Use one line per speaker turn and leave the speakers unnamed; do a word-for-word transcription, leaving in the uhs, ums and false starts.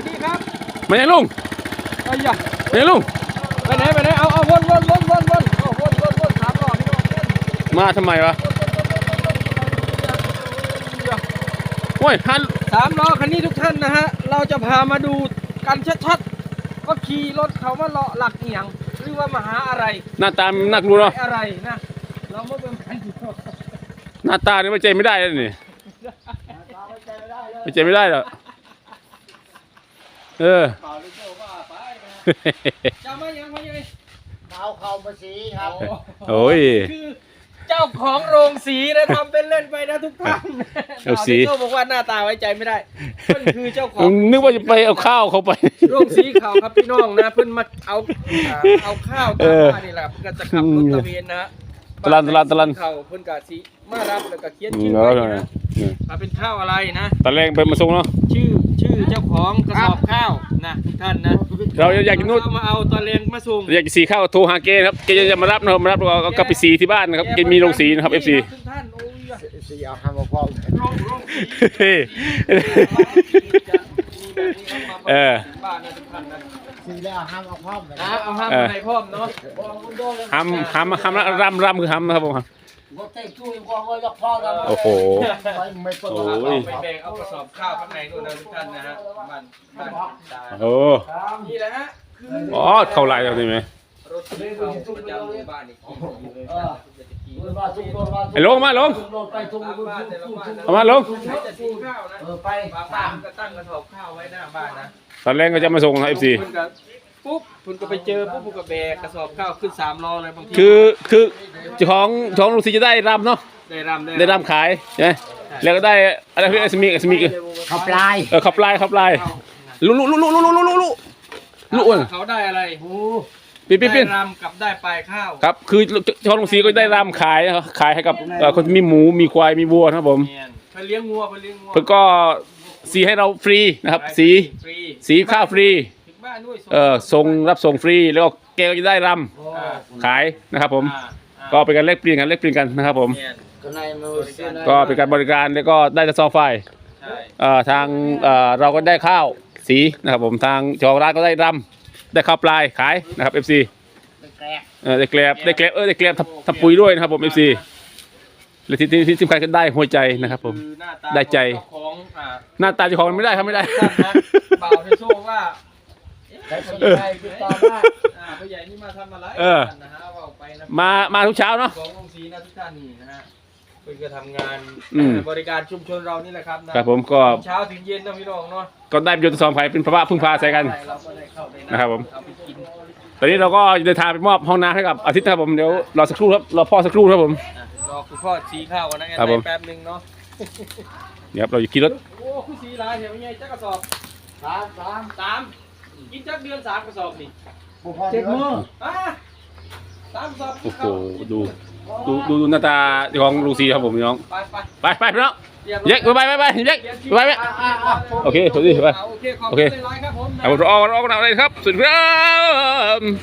สดีครับ
มาไหนลุง
ไอ้ยะ
ไปไหนลุง
ไปไหนไปไหนเอาเอาวนวนวนวนวนเอาวนวนวนสามรอบพี่น้อง
มาทำไมวะโอ้ยท่าน
สามล้อคันนี้ทุกท่านนะฮะเราจะพามาดูกันชัดๆก็ขี่รถเขามาเลาะหลักเอียงหรือว่ามาหาอะไร
หน้าตาน่ากลัวเนาะ
อะไรนะเราไม่เป็นพัน
หน้าตาเนี่ยไม่ใจไม่ได้เลยนี่ไม่ใจไม่ได้หรอกเออ
จะมายังมายัง
เอาเข้ามาสีครับ
โอ้ย
คือเจ้าของโรงสีนะทำเป็นเล่นไปนะทุกท่าน
โรงสี
เขาบอกว่าหน้าตาไว้ใจไม่ได้เพื่อนคือเจ้าของ
นึกว่าจะไปเอาข้าวเขาไป
โรงสีเขาครับพี่น้องนะเพื่อนมาเอาเอาข้าวตามบ้านนี่แหละเพื่อนจะขับรถตะเวนนะ
ตลันตลันตลัน
เขาเพื่อนกะสีมารับแล้วก็เขียนชื่อไว้นะมาเป็นข้าวอะไรนะ
ตอนแรกไปมาส่งเนาะ
ชื่อชื่อเจ้าของกระสอบข้าวนะทุกท่านนะ
เราอยากกินนู่น
มาเอาตอนแรงมาส่ง
อยากสีข้าวโทรหาเกครับเกจะมารับนะครับมารับเราก็กลับไปสีที่บ้านนะครับเกมีโรงสีนะครับเอฟซี
ทุกท่านโอ้ย
สีเอาทำมาพร้อม
เออ
บ้านนะทุกท่านนะ
สีแล้วห้ามเอาพร้อม
นะเอาห้ามในพร้อมเนาะ
ห้ามห้ามห้ามรำรำคือห้ามนะครับผมโอ้โห
โอ้ยไปแบกเอากระสอบข้าวข้างในนู่นนะทุกท่านนะฮะบ้านบ้าน
โอ้
นี่แหละฮะ
อ๋อเท่าไรเอาได้ไหม
รถที่เขาประจำบ้านอีก
ไอ้ลงมาลงเอามาลง
ไปบ้านก็ตั้งกระสอบข้าวไว้หน้าบ้านนะ
ตอนแรกก็จะมาส่งนะเอฟซี
ปุ๊บคุณก็ไปเจอปุ๊บคุณก็แบกกระสอบข้าวขึ้นสามล้อเลยบางที
คือคือเจ้าของเจ้าของลูกศิษย์จะได้รำเนาะ
ได้รำ
ได้รำขายใช่ไหมแล้วก็ได้อะไรที่สมิกสมิก
ขับลาย
เออขับลายขับลายลุลุลุลุลุลุลุลุลุลุ
เขาได้อะไรโอ้
ปีนปีนปีน
รำกับได้ปลายข้าว
ครับคือเจ้าของลูกศิษย์ก็ได้รำขายขายให้กับคนมีหมูมีควายมีวัวนะครับผม
ไปเลี้ยงวัวไปเลี้ยงวัว
เพื่อก็สีให้เราฟรีนะครับสีสีข้าวฟรีเออส่งรับส่งฟรีแล้วก็แกก็จะได้รำขายนะครับผมก็เป็นการเล็กเปลี่ยนกันเล็กเปลี่ยนกันนะครับผมก็เป็นการบริการแล้วก็ได้กระสอบไฟทางเราก็ได้ข้าวสีนะครับผมทางเจ้าของร้านก็ได้รำได้ข้าวปลายขายนะครับเอฟซีได้แกลบได้แกลบเออได้แกลบทำปุ๋ยด้วยนะครับผมเอฟซีและที่ที่สำคัญก็ได้หัวใจนะครับผมได้ใจหน้าตาเจ้าของไม่ได้ครับไม่ได้
เปล่าที่โซ่ว่าใครติดต่อมาผู้ใหญ่นี่มาทำอะไรนะฮะว่าไปนะ
มามาทุกเช้าเนาะ
ของโรงสีนะทุกท่านนี่นะฮะเพื่อจะทำงานบริการชุมชนเรานี่แหละครับ
ครับผมก็
เช้าถึงเย็นนะพี่น้องเนาะ
ก็ได้ประโยชน์สองฝ่ายเป็นพระพึ่งพาใส่กันนะครับผมตอนนี้เราก็เดินทางไปมอบห้องน้ำให้กับอาทิตย์ครับผมเดี๋ยวรอสักครู่ครับรอพ่อสักครู่ครับผม
รอคุณพ่อสีข้าวนะแป๊บนึงเนาะ
เดี๋ยวเราจะขี่รถ
โอ้คุณสีลายเห็นไหมไงจักกระสอบสามสามสามกินจักเดือนสามกระสอบนี่
เจ็ดมือ
อ่ะสามกระสอบ
โอ้โหดูดูดูดูหน้าตาของลุงซีครับผมน้องไปไปไปพี่น้องเย็กไปไปไปเย็กไปไปโอเคสวัสดีไปโอเคโอเคเอาเราเอาเราเอาอะไรครับสุดครับ